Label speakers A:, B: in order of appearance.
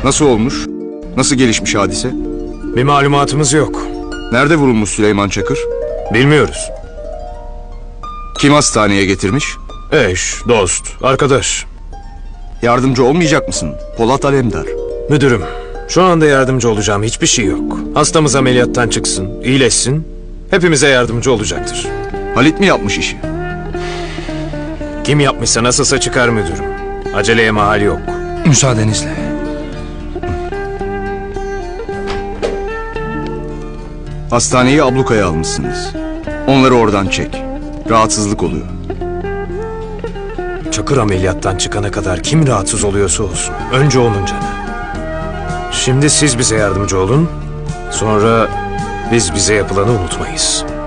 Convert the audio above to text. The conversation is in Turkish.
A: Nasıl olmuş? Nasıl gelişmiş hadise?
B: Bir malumatımız yok.
A: Nerede vurulmuş Süleyman Çakır?
B: Bilmiyoruz.
A: Kim hastaneye getirmiş?
B: Eş, dost, arkadaş.
A: Yardımcı olmayacak mısın? Polat Alemdar.
B: Müdürüm, şu anda yardımcı olacağım hiçbir şey yok. Hastamız ameliyattan çıksın, iyileşsin. Hepimize yardımcı olacaktır.
A: Halit mi yapmış işi?
B: Kim yapmışsa nasılsa çıkar müdürüm. Aceleye mahal yok.
C: Müsaadenizle.
A: Hastaneyi ablukaya almışsınız. Onları oradan çek. Rahatsızlık oluyor.
B: Çakır ameliyattan çıkana kadar kim rahatsız oluyorsa olsun. Önce onun canı. Şimdi siz bize yardımcı olun. Sonra biz bize yapılanı unutmayız.